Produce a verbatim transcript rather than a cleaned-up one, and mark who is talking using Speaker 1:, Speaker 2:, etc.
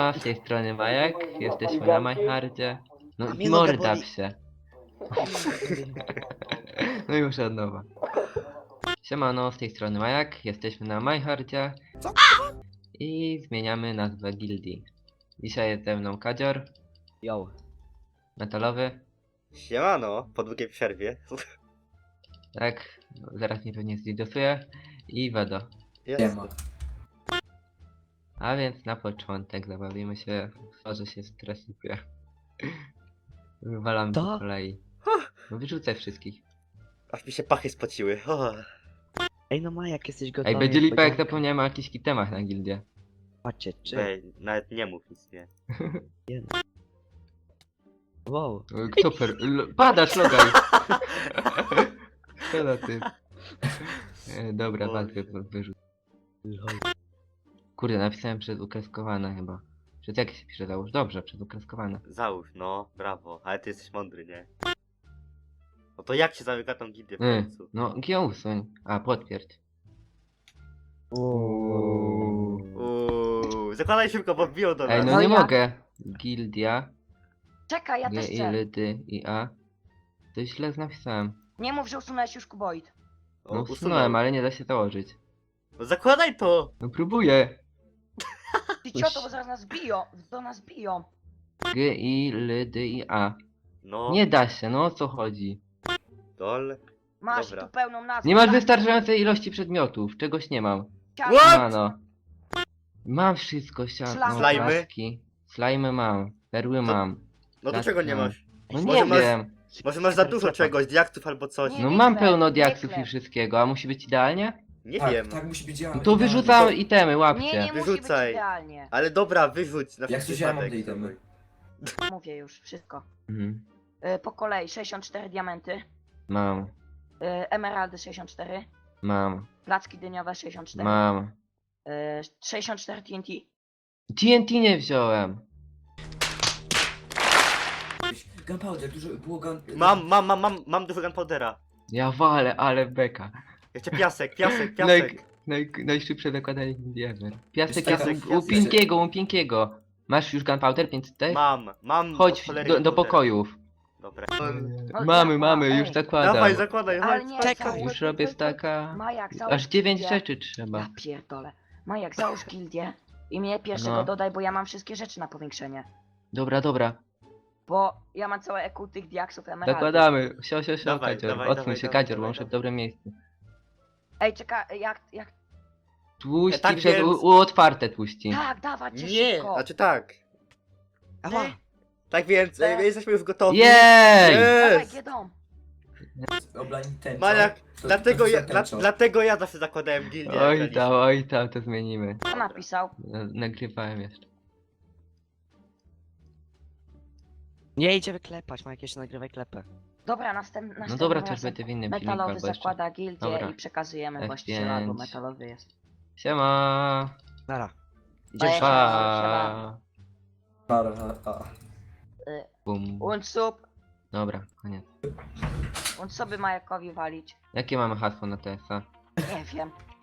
Speaker 1: Siema, z tej strony Majek, jesteśmy na Majhardzie. No
Speaker 2: A mnie noga
Speaker 1: morda
Speaker 2: boli.
Speaker 1: się. No już od nowa. Siemano, z tej strony Majak, jesteśmy na Majhardzie.
Speaker 2: Co?
Speaker 1: I zmieniamy nazwę gildii. Dzisiaj jest ze mną Kadzior,
Speaker 3: Yo.
Speaker 1: metalowy.
Speaker 2: Siemano, po długiej przerwie.
Speaker 1: Tak, zaraz mnie pewnie zdidosuje. I Wedo.
Speaker 2: Jest.
Speaker 1: A więc na początek zabawimy się w to, że się stresuje. Wywalam
Speaker 3: To?
Speaker 1: po kolei. No wyrzucaj wszystkich.
Speaker 2: Aż mi się pachy spociły. O.
Speaker 3: Ej no Majak, jesteś gotowy?
Speaker 1: Ej, będzie lipa jak
Speaker 3: Podzianka.
Speaker 1: zapomniałem o jakichś temach na gildię.
Speaker 3: Patrzcie, czy...
Speaker 2: Ej, nawet nie mów nic, nie.
Speaker 3: Wow.
Speaker 1: Kto per... L- Padasz, logaj! Co za ty? E, dobra,
Speaker 2: Boże.
Speaker 1: walkę wy- wyrzuć.
Speaker 3: Lol.
Speaker 1: Kurde, napisałem przez ukreskowane chyba. Przez jakie się pisze załóż? Dobrze, przez ukreskowane.
Speaker 2: Załóż, no, brawo. Ale ty jesteś mądry, nie? No to jak się zamyka tą gildię w
Speaker 1: Y,
Speaker 2: końcu?
Speaker 1: no, G usuń. A, potwierdź.
Speaker 3: Uuu.
Speaker 2: Uuu, zakładaj szybko, bo wbiją do nas.
Speaker 1: Ej, no
Speaker 4: No
Speaker 1: nie
Speaker 4: jak?
Speaker 1: mogę. Gildia,
Speaker 4: Czekaj, ja
Speaker 1: G,
Speaker 4: też
Speaker 1: I,
Speaker 4: chcę.
Speaker 1: L, D, I, A. To źle napisałem.
Speaker 4: Nie mów, że usunąłeś już kuboid.
Speaker 2: O,
Speaker 1: No
Speaker 2: usunął.
Speaker 1: usunąłem, ale nie da się założyć.
Speaker 2: No zakładaj to!
Speaker 1: No próbuję.
Speaker 4: Ty cioto, bo zaraz nas biją. Do nas biją.
Speaker 1: G, I, L, D, I, A.
Speaker 2: No,
Speaker 1: Nie da się, no o co chodzi?
Speaker 2: dol.
Speaker 4: Masz
Speaker 2: Dobra.
Speaker 4: tu pełną nazwę.
Speaker 1: Nie masz
Speaker 4: tak?
Speaker 1: wystarczającej ilości przedmiotów, czegoś nie mam.
Speaker 4: Siano.
Speaker 2: What?
Speaker 1: Mano. Mam wszystko, siano,
Speaker 4: Slime.
Speaker 2: Slajmy?
Speaker 1: paski. Slajmy mam, perły mam.
Speaker 2: No to
Speaker 1: Tak,
Speaker 2: czego nie
Speaker 1: no.
Speaker 2: masz?
Speaker 1: No
Speaker 2: Może
Speaker 1: nie
Speaker 2: masz-
Speaker 1: wiem.
Speaker 2: Może masz za dużo
Speaker 3: Recepta.
Speaker 2: czegoś, diaktów albo coś.
Speaker 4: Nie.
Speaker 1: No
Speaker 4: nie
Speaker 1: mam
Speaker 4: chleb,
Speaker 1: pełno
Speaker 4: nie
Speaker 1: diaksów
Speaker 4: chleb.
Speaker 1: i wszystkiego, a musi być idealnie?
Speaker 2: Nie
Speaker 5: tak,
Speaker 2: wiem.
Speaker 5: tak musi być
Speaker 1: No
Speaker 5: idealnie.
Speaker 1: to wyrzucam itemy,
Speaker 4: Nie,
Speaker 1: łapcie.
Speaker 4: nie musi być
Speaker 2: Wyrzucaj.
Speaker 4: idealnie.
Speaker 2: Ale dobra, wyrzuć na
Speaker 5: Jak
Speaker 2: wszelki
Speaker 5: coś ja mam
Speaker 2: wypadek.
Speaker 5: te itemy.
Speaker 4: Mówię już, wszystko.
Speaker 1: Mhm.
Speaker 4: Y, po kolei sześćdziesiąt cztery diamenty.
Speaker 1: Mam,
Speaker 4: Y, emeraldy sześćdziesiąt cztery.
Speaker 1: mam,
Speaker 4: Placki dyniowe sześćdziesiąt cztery.
Speaker 1: mam.
Speaker 4: Y, sześćdziesiąt cztery T N T.
Speaker 1: T N T nie wziąłem.
Speaker 5: Gunpowder, dużo było gun...
Speaker 2: Mam, mam, mam, mam, mam dużo gunpowdera.
Speaker 1: Ja walę, ale beka.
Speaker 2: Jeszcze piasek, piasek,
Speaker 1: Naj,
Speaker 2: piasek.
Speaker 1: naj, najszybsze zakładanie gildii ever. Piasek
Speaker 5: Piasek,
Speaker 1: jest u, u
Speaker 2: piasek.
Speaker 1: Pinkiego, u Pinkiego. Masz już gunpowder, więc też?
Speaker 2: Mam, mam.
Speaker 1: Chodź
Speaker 2: od cholery
Speaker 1: do, do
Speaker 2: gunpowdera.
Speaker 1: pokojów.
Speaker 2: Dobra.
Speaker 4: No,
Speaker 1: Mamy,
Speaker 4: ja-
Speaker 1: mamy,
Speaker 4: ej.
Speaker 1: już zakładam.
Speaker 2: Dawaj, zakładaj,
Speaker 4: Ale
Speaker 2: chodź.
Speaker 4: nie,
Speaker 3: Czekaj,
Speaker 4: załóż-
Speaker 1: Już robię staka.
Speaker 4: Majak, załóż
Speaker 1: Aż dziewięć
Speaker 4: gildię.
Speaker 1: rzeczy trzeba.
Speaker 4: Ja pierdolę. Majak, załóż gildię. I mnie pierwszego
Speaker 1: No.
Speaker 4: dodaj, bo ja mam wszystkie rzeczy na powiększenie.
Speaker 1: Dobra, dobra.
Speaker 4: Bo ja mam całe E Q tych diaksów emeraldów.
Speaker 1: Zakładamy. Sio, sio, sio,
Speaker 2: Dawaj,
Speaker 1: Kadzior.
Speaker 2: dawaj,
Speaker 1: Odsuń
Speaker 2: dawaj,
Speaker 1: się,
Speaker 2: dawaj,
Speaker 1: Kadzior, bo
Speaker 2: dawaj,
Speaker 1: muszę w
Speaker 2: dawaj.
Speaker 1: dobrym miejscu.
Speaker 4: Ej, czekaj, jak, jak...
Speaker 1: Tłuści
Speaker 2: Tak
Speaker 1: przed
Speaker 2: więc-
Speaker 1: u, u otwarte tłuści.
Speaker 4: Tak, dawać cię
Speaker 2: Nie,
Speaker 4: szybko.
Speaker 2: znaczy tak.
Speaker 3: Ała.
Speaker 2: Tak więc,
Speaker 4: E.
Speaker 2: e, jesteśmy już gotowi.
Speaker 1: Jej!
Speaker 4: Dawaj,
Speaker 2: Jest!
Speaker 4: Giedom.
Speaker 5: Oblani tęczą.
Speaker 2: Maniak,
Speaker 5: To-
Speaker 2: dlatego
Speaker 5: to
Speaker 2: ja,
Speaker 5: za
Speaker 2: dla,
Speaker 5: tęczą.
Speaker 2: dlatego ja zawsze zakładałem gildię. jak
Speaker 1: Oj
Speaker 2: graliśmy.
Speaker 1: tam, oj tam, to zmienimy.
Speaker 4: Kto napisał?
Speaker 1: Na- Nagrywałem jeszcze.
Speaker 3: Nie idziemy klepać, Majak, jeszcze nagrywaj klepę.
Speaker 4: Dobra, następ, następnym
Speaker 1: No dobra, to już
Speaker 4: razem
Speaker 1: będzie w innym filmiku
Speaker 4: metalowy
Speaker 1: albo jeszcze.
Speaker 4: zakłada gildię
Speaker 1: Dobra.
Speaker 4: i przekazujemy
Speaker 1: F
Speaker 4: właściciela, bo
Speaker 1: pięć.
Speaker 4: metalowy jest.
Speaker 1: Siema!
Speaker 3: Nara.
Speaker 4: Ej,
Speaker 3: Idziesz.
Speaker 1: Pa!
Speaker 5: Para, a, a.
Speaker 1: Bum.
Speaker 4: Und sub,
Speaker 1: Dobra, koniec.
Speaker 4: und sobie Majakowi walić.
Speaker 1: Jakie mamy hasło na T S A?
Speaker 4: Nie wiem.